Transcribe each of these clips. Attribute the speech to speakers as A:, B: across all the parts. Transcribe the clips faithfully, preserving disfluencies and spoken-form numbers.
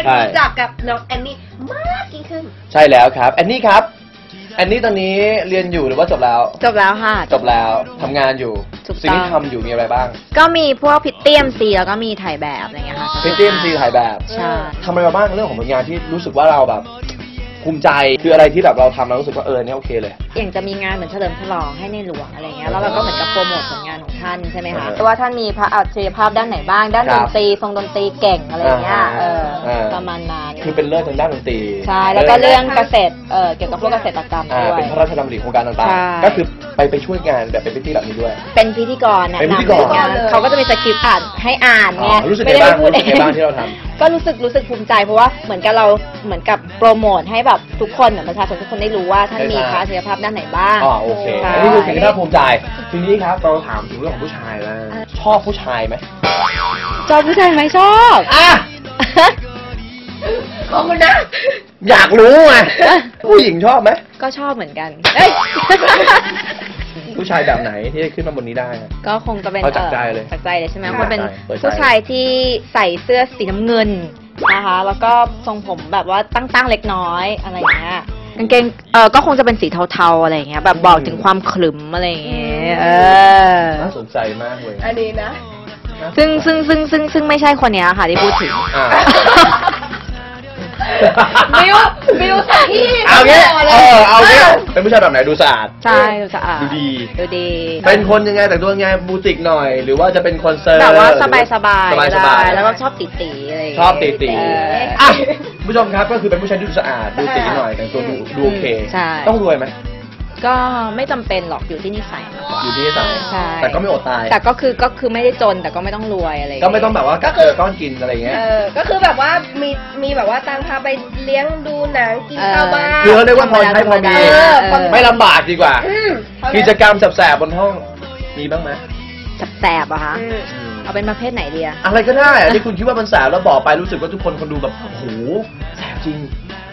A: รู้จักกับน้องแอนนี่มากยิ่งขึ้น
B: ใช่แล้วครับแอนนี่ครับแอนนี่ตอนนี้เรียนอยู่หรือว่าจบแล้ว
C: จบแล้วค่ะ
B: จบแล้วทำงานอยู่สิ่งที่ทำอยู่มีอะไรบ้าง
C: ก็มีพวกพิตตี้เอ็มซีแล้วก็มีถ่ายแบบอะไรเงี้ยค่ะ
B: พิตตี้เอ็มซีถ่ายแบบ
C: ใช่
B: ทำอะไรมาบ้างเรื่องของผลงานที่รู้สึกว่าเราแบบภูมิใจคืออะไรที่แบบเราทำแล้วรู้สึกว่าเออเนี่ยโอเคเลย
C: อย่างจะมีงานเหมือนเฉลิมฉลองให้ในหลวงอะไรเงี้ยแล้วเราก็เหมือนกับโปรโมทผลงานของท่านใช่ไหมคะว่าท่านมีพระอัจฉริยภาพด้านไหนบ้างด้านดนตรีทรงดนตรีเก่งอะไรเงี้ยเออประมาณนั้น
B: คือเป็นเลิศทางด้านดนตรี
C: ใช่แล้วก็เรื่องเกษตรเออเกี่ยวกับพวกเกษตรกรรมด้วย
B: เป็นพระราชดำริโครงการต่างๆก็คือไปไปช่วยงานแบบเป็นพิธีแบบนี้ด้วย
C: เป็นพิธีกรนะ
B: เป็นพิธีกร
C: เขาก็จะมีสคริปต์อ่านให้อ่านไง
B: ไม่ได้พูดเองบ้างที่เราทำ
C: ก็รู้สึกรู้สึกภูมิใจเพราะว่าเหมือนกับเราเหมือนกับโปรโมทให้แบบทุกคนเหมือนประชาชนทุกคนได้รู้ว่าท่านมีพระอัจฉริยภาพด้านไหนบ้าง
B: อ๋อโอเคอันนี้คือสิ่งที่น่าภูมิใจทีนี้ครับเราถามถึงเรื่องของผู้ชายแล้วชอบผู้ชายไหม
C: ชอบผู้ชายไหมชอบ
B: อ่ะ
A: ขอบคุณนะ
B: อยากรู้ไงผู้หญิงชอบไหม
C: ก็ชอบเหมือนกัน
B: ผู้ชายแบบไหนที่ขึ้นมาบนนี้ได้
C: ก็คงจะเป็น
B: จากใจเลย
C: จากใจเลยใช่ไหมคนเป็นผู้ชายที่ใส่เสื้อสีน้ำเงินนะคะแล้วก็ทรงผมแบบว่าตั้งๆเล็กน้อยอะไรอย่างเงี้ยกางเกงเออก็คงจะเป็นสีเทาๆอะไรอย่างเงี้ยแบบบอกถึงความขรึมอะไรอย่างเงี้ยเออ
B: น่าสนใจมากเลย
A: อันนี้นะ
C: ซึ่งซึ่งซึ่งซึ่งซึ่งไม่ใช่คนนี้ค่ะที่พูดถึง
A: บิวบิวสักที่
B: เอางี้เออเอางี้เป็นผู้ชายแบบไหนดูสะอาด
C: ใช่ดูสะอาด
B: ดูดี
C: ดูดี
B: เป็นคนยังไงแต่งตัวยังไงบูติกหน่อยหรือว่าจะเป็นคอนเสิร์ต
C: แบบว่าสบายสบาย
B: สบาย
C: แล้วก็ชอบตีตีอะไร
B: ชอบตีตีอ่ะผู้ชมครับก็คือเป็นผู้ชายที่ดูสะอาดดูตีหน่อยแต่งตัวดูโอเคต้องรวยไหม
C: ก็ไม่จำเป็นหรอกอยู่ที่นิสัย
B: อยู่ที่นิสัยแต่ก็ไม่อดตาย
C: แต่ก็คือก็คือไม่ได้จนแต่ก็ไม่ต้องรวยอะไร
B: ก็ไม่ต้องแบบว่าก็คือก้อนกินอะไรเงี้ย
A: เออก็คือแบบว่ามีมีแบบว่าตังพาไปเลี้ยงดูหนังกินข้าวบ้าน
B: คือเขาเรียกว่าพอใช้พอมีไม่ลำบากดีกว่ากิจกรรมแสบๆบนห้องมีบ้างไหม
C: แสบๆอะคะเอาเป็นประเภทไหนดีอะ
B: อะไรก็ได้อะที่คุณคิดว่ามันแสบแล้วบอกไปรู้สึกว่าทุกคนคนดูแบบโอ้โหแสบจริง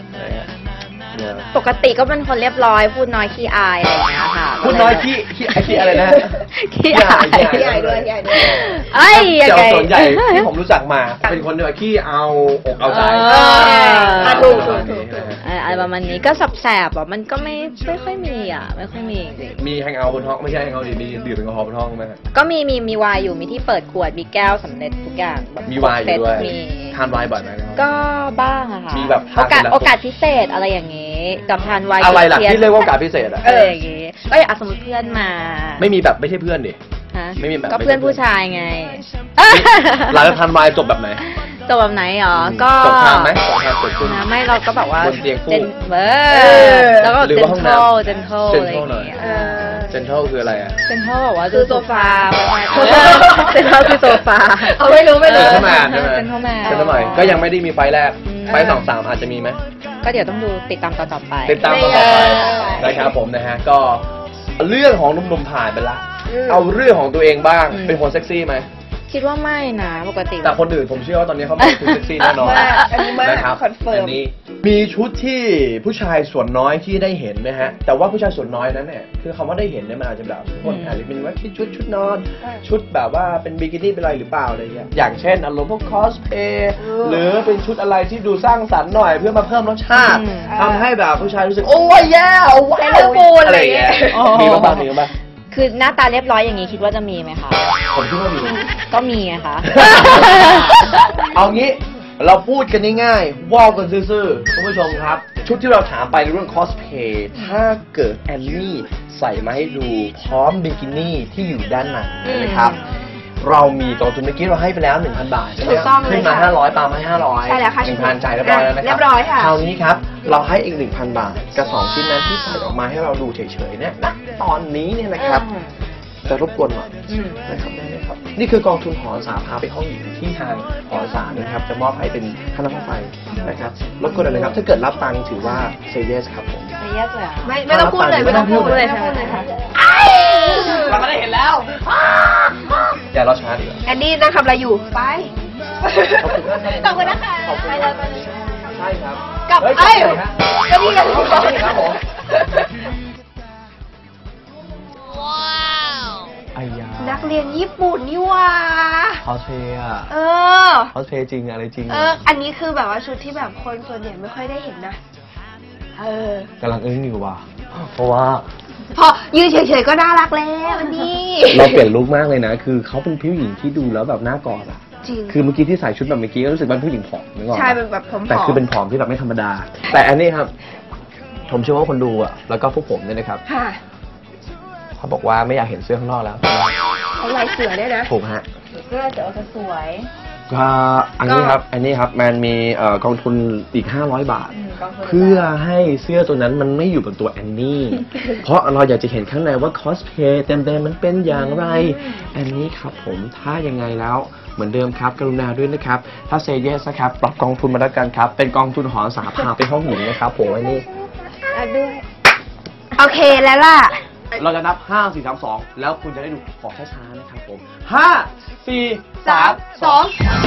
C: ปกติก็เป็นคนเรียบร้อยพูดน้อยขี้อายอะไรอย่างเงี้ยค่ะ
B: พูดน้อยขี้ขี้ขี้อะไรนะ
C: ขี้อาย
A: ขี้อายด้วยขี้อายด้วย
C: ไอ้
B: เจ้าส่วนใหญ่ที่ผมรู้จักมาเป็นคนเดียวขี้เอาอกเอาใจ
A: ถูกถูก
C: อะไรประมาณนี้ก็สับแสบอ่ะมันก็ไม่ไม่ค่อยมีอ่ะไม่ค่อยมี
B: มีแฮงเอาท์บนห้องไม่ใช่แฮงเอาท์ดิมีดื่มแอลกอฮอล์บนห้องไหม
C: ก็มีมีมีไวน์อยู่มีที่เปิดขวดมีแก้วสำเร็จทุกอย่าง
B: มีไวน์อยู่ด้วยทานไวน์บ่อยไหม
C: ก็บ้างอะค่ะ
B: มีแบบ
C: โอกาสโอกาสพิเศษอะไรอย่างงี้กับทานไวน์
B: อะไรล่ะที่เรียกว่าโอกาสพิเศษอะ
C: เอออย่างงี้ก็อย่างสมมติเพื่อนมา
B: ไม่มีแบบไม่ใช่เพื่อนดิ
C: ไม่มีแบบก็เพื่อนผู้ชายไง
B: หลังจากทานไวน์จบแบบไหน
C: จบแบบไหนอ๋อก็
B: จบทานไหมจบทานจบขึ้น
C: นะไม่เราก็แบบว่า
B: บนเตียงคู่
C: เบอร์แล้วก็เจนโทเจนโทอะไรอย่างเงี้ย
B: เจนโทคืออะไรอะ
C: เจนโทบอกว่าคือโซฟาเจนโทคือโซฟา
A: เอาไม่รู้ไม่รู้
B: เจนโทแมนใช่ไหมเจนโทแมนเจนโทใหม่ก็ยังไม่ได้มีไฟแรกไฟสองสามอาจจะมีไหม
C: ก็เดี๋ยวต้องดูติดตามตอนต่อไป
B: ติดตามตอนต่อไปนะครับผมนะฮะก็เรื่องของหนุ่มๆผ่านไปละเอาเรื่องของตัวเองบ้างเป็นคนเซ็กซี่ไหม
C: คิดว่าไม่นะปกติ
B: แต่คนอื่นผมเชื่อว่าตอนนี้เขาเป็นคนเซ็กซี่แน่นอนนะครับอันนี้มีชุดที่ผู้ชายส่วนน้อยที่ได้เห็นนะฮะแต่ว่าผู้ชายส่วนน้อยนั้นเนี่ยคือคำว่าได้เห็นเนี่ยมันอาจจะแบบคนอาจจะเป็นว่าชุดชุดนอนชุดแบบว่าเป็นบิกินี่เป็นอะไรหรือเปล่าอะไรเงี้ยอย่างเช่นอารมณ์พวกคอสเพย์หรือเป็นชุดอะไรที่ดูสร้างสรรค์หน่อยเพื่อมาเพิ่มรสชาติทำให้แบบผู้ชายรู้สึกโอ้ยแย่ว้าวอะไรเงี้ยมีบ้างมีบ้าง
C: คือหน้าตาเรียบร้อยอย่างนี้คิดว่าจะมีไหมคะ
B: ผมคิดว่ามี
C: ก็มีไงคะ
B: เอางี้เราพูดกันง่ายๆว่ากันซื่อๆคุณผู้ชมครับชุดที่เราถามไปในเรื่องคอสเพย์ถ้าเกิดแอนนี่ใส่มาให้ดูพร้อมบิกินี่ที่อยู่ด้านในนะครับเรามีกองทุนเมื่อกี้เราให้ไปแล้ว หนึ่งพัน บาทใช่ไหมขึ้นมาห้าร้อยตามมาห้าร้อย
A: ใช่แล้วค่ะ
B: หนึ่งพัน จ่ายเรียบร้อยแล้วนะครับ
A: เรียบร้อยค่ะ
B: คราวนี้ครับเราให้อีก หนึ่งพัน บาทกับสองชิ้นนั้นที่ใส่ออกมาให้เราดูเฉยๆเนี่ยณตอนนี้เนี่ยนะครับจะรบกวนหน่อยนะครับได้ไหมครับนี่คือกองทุนหอสาพาไปห้องหญิงที่ทางหอสานะครับจะมอบให้เป็นค่าน้ำไฟนะครับรบกวนเลยนะครับถ้าเกิดรับตังค์ถือว่าเซเยสครับผม
C: เซเยสเลย
A: ไม่ไม่ต้องพูดเลยไม่ต้องพูดเลยใช่ไหม
B: เราไม่ได้เห็นแล้วอย่ารอช้าดีกว่า
A: แอนนี่นั่งทำอะไรอยู่ไปขอบคุณนะคะไปเลยไปเลย
B: ใช่ครับ
A: กับไอ้ก็นี่กัน
B: ครับผม
A: นักเรียนญี่ปุ่นนี่ว่า
B: คอสเพย์อะ
A: เออ
B: คอสเพย์จริงอะไรจริง
A: เออ อันนี้คือแบบว่าชุดที่แบบคนส่วนใหญ่ไม่ค่อยได้เห็นนะ เออก
B: ำลังอึ้งอยู่ว่ะเพราะว่า
A: พอยืนเฉยๆก็น่ารักแล้วอันนี้
B: เราเปลี่ยนลุคมากเลยนะ คือเขาเป็นผู้หญิงที่ดูแล้วแบบน่ากอดอะ
A: จริง
B: คือเมื่อกี้ที่ใส่ชุดแบบเมื่อกี้ก็รู้สึกว่าผู้หญิงผอมนึกออก
A: ใช่เป็นแบบผอมๆ
B: แต่คือเป็นผอมที่แบบไม่ธรรมดา แต่อันนี้ครับ ผมเชื่อว่าคนดูอะแล้วก็พวกผมเนี่ยนะครับ
A: ค่ะ
B: เขาบอกว่าไม่อยากเห็นเสื้อข้างนอกแล้ว
A: เขาลายเสือเนี่ยนะ
B: ถูกฮะ
C: เสื้อจะเอาสวย
B: ก็อันนี้ครับ อันนี้ครับมันมีเอ่อกองทุนอีกห้าร้อยบาท
C: กองทุน
B: เพื่อให้เสื้อตัวนั้นมันไม่อยู่บนตัวแอนนี่ เพราะเราอยากจะเห็นข้างในว่าคอสเพย์เต็มๆมันเป็นอย่างไรแอนนี่ครับผมถ้ายังไงแล้วเหมือนเดิมครับกรุณาด้วยนะครับ ถ้าเซเยสนะครับปรับกองทุนมาแล้วกันครับ เป็นกองทุนหอสาภาเป็นห้องหญิงนะครับผมอันนี้
A: อ่ะด้วย โอเคแล้วล่ะ
B: เราจะนับห้า สี่ สาม สองแล้วคุณจะได้ดูขอช้าๆนะครับผมห้า สี่ สาม สอง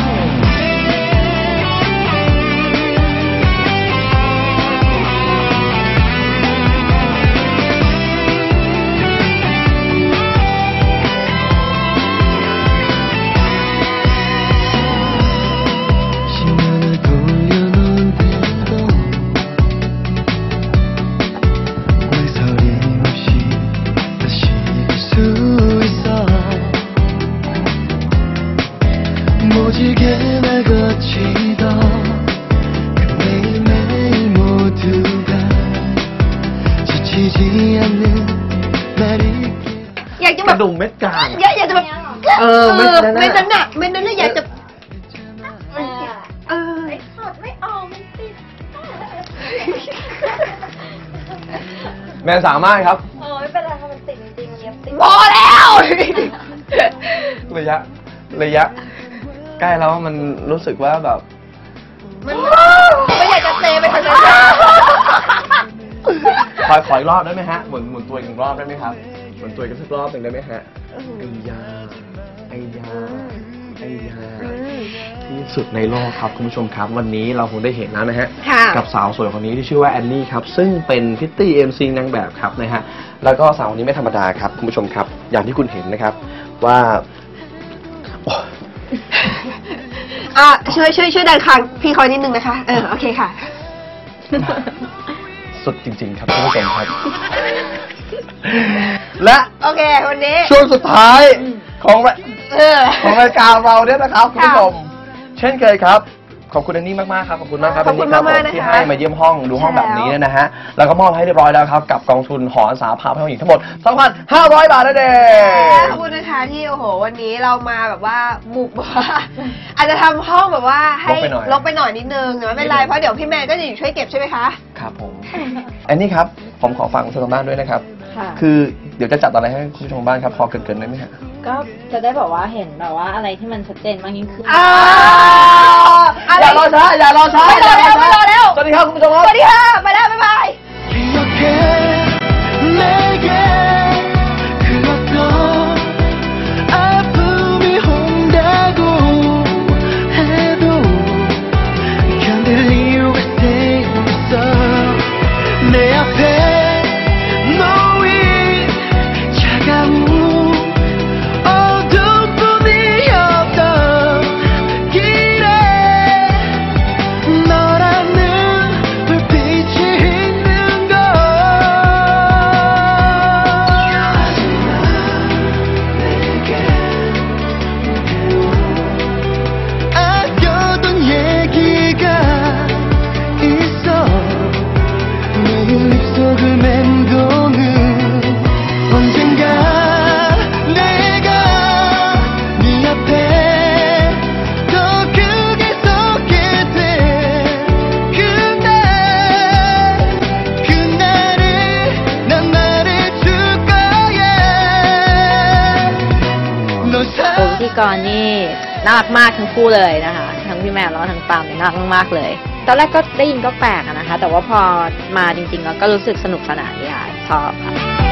A: อยากจะ
B: ก
A: แบบ
B: ระดุมเม็ดกลาง
A: อยากอยากจะแบบ
B: เออเม็ดนั้นน่ะ
A: เม็ดนั้นน่ะเม็ดนั้นน่ะอยากจะเออ
C: ถอดไม่ออกมันติด
B: แมนสามารถครับ
C: เออไม่เป็นไรค่ะมันติดจริงๆเย็บติด
A: พอแล้ว
B: ระยะระยะ ใกล้แล้วมันรู้สึกว่าแบบ
A: มันไม่อยากจะเซไปทางนั้น
B: ขอขออีกรอบได้ไหมฮะหมุนหมุนตัวอีกหนึ่งรอบได้ไหมครับหมุนตัวอีกสักรอบหนึ่งได้ไหมฮะไอ้ยาไอ้ยาไอ้ยาที่สุดในโลกครับคุณผู้ชมครับ วันนี้เราคงได้เห็นแล้วนะฮะ
A: ค่ะ
B: กับสาวสวยคนนี้ที่ชื่อว่าแอนนี่ครับซึ่งเป็นพิตตี้เอ็มซีนางแบบครับนะฮะแล้วก็สาวคนนี้ไม่ธรรมดาครับคุณผู้ชมครับ อย่างที่คุณเห็นนะครับว่าโอ้
A: อ่ะช่วยช่วยช่วยดันคางพี่คอยนิดนึงนะคะ เออโอเคค่ะ
B: สุดจริง ๆ ครับคุณผู้ชมครับ และ
A: โอเควันนี้
B: ช่วงสุดท้ายของราย
A: เออ
B: ของรายการเราเนี่ยนะครับคุณผู้ชม
A: ค่ะ
B: เช่นเคยครับ ขอบคุณอันนี้มากๆครับขอบคุณมากครับ
A: ขอบคุณ
B: นนี่
A: มากๆ
B: รับ
A: นะคะ
B: ที่ให้มาเยี่ยมห้องดูห้อง
A: ใช่
B: แบบนี้
A: แล้ว
B: เนี่ยนะฮะแล้วก็มอบให้เรียบร้อยแล้วครับกับกองทุนหออาสาพาไปห้องหญิงทั้งหมด สองพันห้าร้อย บาทนั่นเอง
A: ขอบคุณนะคะที่โอ้โหวันนี้เรามาแบบว่าบุกแบบว่า อาจจะทำห้องแบบว่าให้
B: ลกไปหน่อย
A: ลกไปหน่อยนิดนึงแต่ไม่เป็นไรเพราะเดี๋ยวพี่แมนก็จะอยู่ช่วยเก็บใช่ไหมคะ
B: ครับผม อันนี้ครับผมขอฟังคุณผู้ชมบ้านด้วยนะครับ
C: ค่ะ
B: คือเดี๋ยวจะจัดอะไรให้คุณผู้ชมบ้านครับพอเกินๆได้ไหมฮะ
C: ก็จะได้แบบว่าเห็นแบบว่าอะไรที่มันชัดเจนมากยิ่งขึ้น
A: อ่า
B: อย่ารอช้าอย่ารอช้า
A: ไม่รอแล้วไม่รอแล้ว
B: สวัสดีครับคุณผู้ชมครับ
A: สวัสดีค่ะไปแล้วบ๊ายบาย
D: 내게 그었던 아픔이 온다고 해도 견딜 이유가 되고 있어 내 앞에 놓인 차가운 어둠뿐이었던 길에 너라는 불빛이 있는 걸 아껴둔 얘기가 있어 매일 입속을 맴도는 언젠가 내가 네 앞에 더 크게 섰게 돼 그날 그날을 난 말해줄 거야 널
C: ตัวพิธีกรนี่น่ารักมากทั้งคู่เลยนะคะทั้งพี่แมนแล้วก็ทั้งปาล์มเนี่ยน่ารักมากๆเลย ตอนแรกก็ได้ยินก็แปลกอะนะคะ แต่ว่าพอมาจริงๆแล้วก็รู้สึกสนุกสนานดีค่ะชอบค่ะ